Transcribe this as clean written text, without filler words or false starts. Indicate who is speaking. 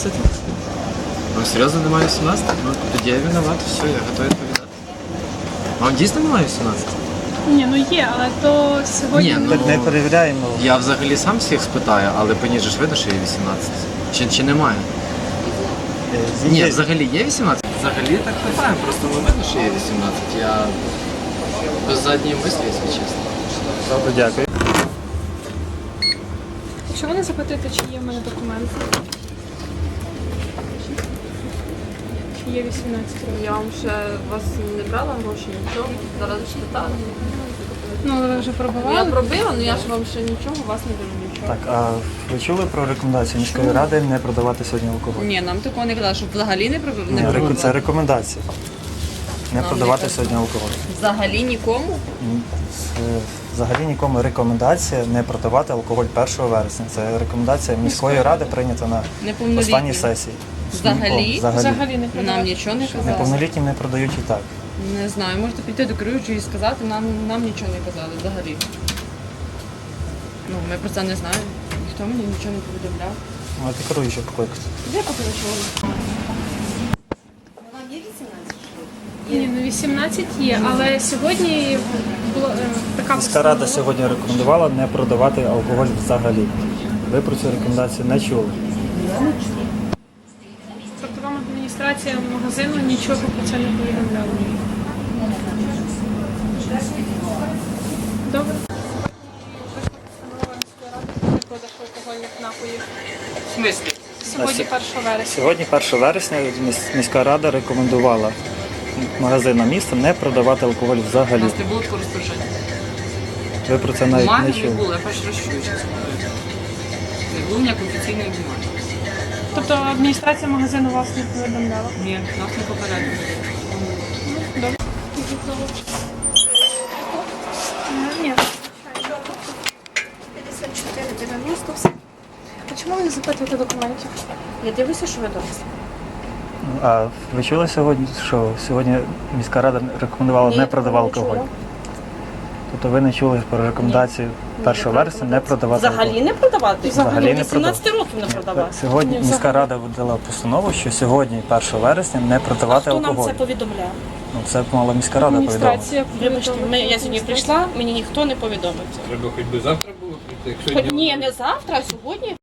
Speaker 1: 18. Ну, серйозно, немає 18? Ну, тоді я виноват, все, я готовий відповідати. Вам дійсно немає 18?
Speaker 2: Ні, ну є, але то сьогодні...
Speaker 1: Ні, ну,
Speaker 3: Так не перевіряємо.
Speaker 1: я взагалі сам всіх спитаю, але по ній же ж видно, що є 18. Чи немає? Ні, взагалі є 18? Взагалі так питаємо, просто не видно, що є 18. Я без задньої мислі, якщо чесно.
Speaker 3: Добре, дякую.
Speaker 2: Якщо ви не запитуєте, чи є в мене документи, чи є 18 років.
Speaker 4: Я вам ще вас не брала гроші, нічого. Зараз спитала.
Speaker 2: Ну, але ви вже
Speaker 4: Я
Speaker 2: пробували?
Speaker 4: пробила, але я ж вам ще нічого, у вас не беру нічого.
Speaker 3: Так, а ви чули про рекомендацію міської ради не продавати сьогодні алкоголь?
Speaker 4: Ні, нам такого не казали, що взагалі не пробив.
Speaker 3: Ні, це рекомендація. Не
Speaker 4: Нам
Speaker 3: продавати
Speaker 4: не
Speaker 3: сьогодні алкоголь.
Speaker 4: Взагалі нікому?
Speaker 3: Це взагалі нікому рекомендація не продавати алкоголь 1 вересня. Це рекомендація міської ради прийнята на
Speaker 4: Неповнолітнім.
Speaker 3: останній сесії.
Speaker 4: Взагалі?
Speaker 2: Взагалі не
Speaker 4: Нам
Speaker 2: продавали.
Speaker 4: нічого не казали.
Speaker 3: Неповнолітнім не продають і так.
Speaker 4: Не знаю, можете піти до керуючої і сказати, нам нічого не казали взагалі. Ну, ми про це не знаємо. Ніхто мені нічого не повідомляв.
Speaker 3: Ну, а ти керуючий покликати.
Speaker 4: Де поперечували?
Speaker 2: Ні, ну 18 є, але сьогодні була така
Speaker 3: Міська рада
Speaker 2: постанова.
Speaker 3: сьогодні рекомендувала не продавати алкоголь взагалі. Ви про цю рекомендацію не чули.
Speaker 2: Тобто вам адміністрація магазину нічого про це не повідомляла. Добре. Постанова міської ради про продаж алкогольних напоїв.
Speaker 4: В смислі?
Speaker 2: Сьогодні 1 вересня.
Speaker 3: Сьогодні, 1 вересня, міська рада рекомендувала магазинам міста не продавати алкоголь
Speaker 4: У
Speaker 3: взагалі.
Speaker 4: нас не було такого розпорядження.
Speaker 3: Ви про це навіть
Speaker 4: Бумаги
Speaker 3: не
Speaker 4: не
Speaker 3: чули.
Speaker 4: було, я перший раз чую, чесно говоря. Не було ніякої офіційної бумаги.
Speaker 2: Тобто адміністрація магазину вас не повідомляла?
Speaker 4: Ні, нас не попередили.
Speaker 2: Добре. Ні.
Speaker 5: 54,90 все.
Speaker 2: А чому ви не запитуєте документів?
Speaker 5: Я дивлюся, що ви дорослі.
Speaker 3: А ви чули сьогодні, що сьогодні міська рада рекомендувала
Speaker 5: Ні,
Speaker 3: не продавати
Speaker 5: не чула.
Speaker 3: алкоголь? Тобто ви не чули про рекомендацію 1 вересня не продавати алкоголь?
Speaker 5: Взагалі не продавати?
Speaker 3: Взагалі не
Speaker 5: 18 років не продавати.
Speaker 3: Сьогодні
Speaker 2: Ні,
Speaker 3: міська
Speaker 2: взагалі.
Speaker 3: рада видала постанову, що сьогодні, 1 вересня, не продавати
Speaker 5: Хто нам
Speaker 3: алкоголь.
Speaker 5: це повідомляв?
Speaker 3: Ну, це мала міська рада повідомити.
Speaker 2: Адміністрація
Speaker 5: Вибачте,
Speaker 2: повідомила.
Speaker 5: я сьогодні прийшла, мені ніхто не повідомив це.
Speaker 6: Треба хоч би завтра було прийти, як сьогодні.
Speaker 5: Ні, не завтра, а сьогодні.